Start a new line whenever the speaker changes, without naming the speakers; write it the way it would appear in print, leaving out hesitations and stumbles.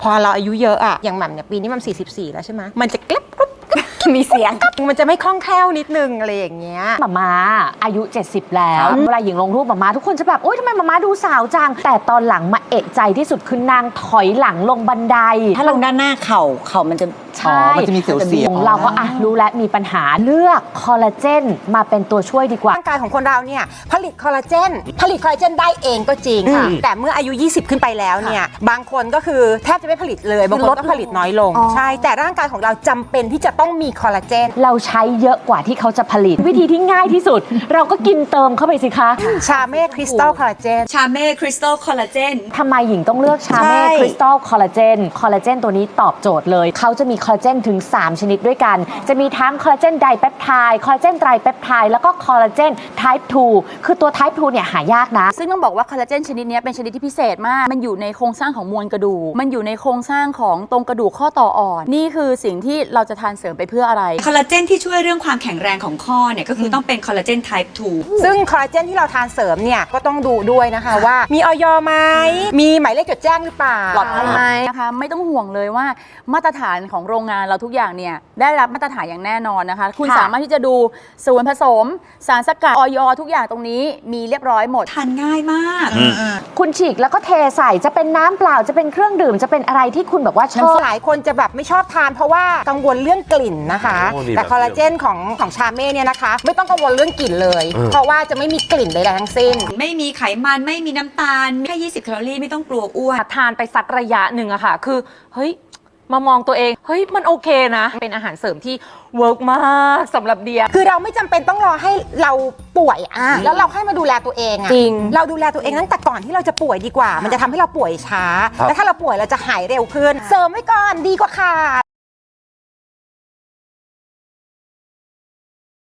อเราอายุเยอะอะอย่างแหม่มเนี่ยปีนี้มัน44แล้วใช่ไหมมันจะกรุ๊บ
มีเสียง
มันจะไม่คล่องแคล่วนิดนึงอะไรอย่างเงี้ย
มาอายุ70แล้วเวลาหญิงลงรูปมาทุกคนจะแบบโอ๊ยทำไมมาดูสาวจังแต่ตอนหลังมาเอะใจที่สุดคือนางถอยหลังลงบันได
ถ้าลงด้านหน้าเข่ามันจะ
ใช่
มันจะมีเสียวๆ
เราก็รู้แล้วมีปัญหาเลือกคอลลาเจนมาเป็นตัวช่วยดีกว่า
ร่างกายของคนเราเนี่ยผลิตคอลลาเจนได้เองก็จริงค่ะแต่เมื่ออายุ20ขึ้นไปแล้วเนี่ยบางคนก็คือแทบจะไม่ผลิตเลยบางคนก็ผลิตน้อยลงใช่แต่ร่างกายของเราจำเป็นที่จะต้องมีคอลลาเจน
เราใช้เยอะกว่าที่เขาจะผลิตวิธีที่ง่ายที่สุด เราก็กินเติมเข้าไปสิคะ
ชาเม่คริสตัลคอลลาเจน
ทำไมหญิงต้องเลือกชาเม่คริสตัลคอลลาเจนตัวนี้ตอบโจทย์เลยเขาจะมีคอลลาเจนถึง3ชนิดด้วยกันจะมีทั้งคอลลาเจนไดเปปไทด์คอลลาเจนไตรเปปไทด์แล้วก็คอลลาเจน type 2คือตัว type 2เนี่ยหายากนะ
ซึ่งต้องบอกว่าคอลลาเจนชนิดนี้เป็นชนิดที่พิเศษมากมันอยู่ในโครงสร้างของมวลกระดูกมันอยู่ในโครงสร้างของตรงกระดูกข้อต่ออ่อนนี่คือสิ่งที่เราจะทานเสริมไปเพื่ออะไร
คอลลาเจนที่ช่วยเรื่องความแข็งแรงของข้อเนี่ยก็คือต้องเป็นคอลลาเจน type 2
ซึ่งคอลลาเจนที่เราทานเสริมเนี่ยก็ต้องดูด้วยนะคะว่ามีอย.ไหมมีหมายเลขจดแจ้งหรือเปล่า
ปลอดภัยไหมนะคะไม่ต้องห่วงเลยว่ามาตรฐานของโรงงานเราทุกอย่างเนี่ยได้รับมาตรฐานอย่างแน่นอนนะคะคุณสามารถที่จะดูส่วนผสมสารสกัดอย.ทุกอย่างตรงนี้มีเรียบร้อยหมด
ทานง่ายมาก
คุณฉีกแล้วก็เทใส่จะเป็นน้ำเปล่าจะเป็นเครื่องดื่มจะเป็นอะไรที่คุณแบบว่าชอบ
หลายคนจะแบบไม่ชอบทานเพราะว่ากังวลเรื่องกลิ่นนะคะแต่คอลลาเจนของชาเม่เนี่ยนะคะไม่ต้องกังวลเรื่องกลิ่นเลยเพราะว่าจะไม่มีกลิ่นใดๆทั้งสิ้น
ไม่มีไขมันไม่มีน้ำตาลแค่20แคลอรี่ไม่ต้องกลัวอ้วน
ทานไปสักระยะหนึ่งอะค่ะคือเฮ้ยมามองตัวเองเฮ้ยมันโอเคนะเป็นอาหารเสริมที่เวิร์กมากสำหรับเดีย
คือเราไม่จำเป็นต้องรอให้เราป่วยแล้วเราให้มาดูแลตัวเอง
จริง
เราดูแลตัวเองตั้งแต่ก่อนที่เราจะป่วยดีกว่ามันจะทำให้เราป่วยช้าและถ้าเราป่วยเราจะหายเร็วขึ้นเสริมไว้ก่อนดีกว่าค่ะ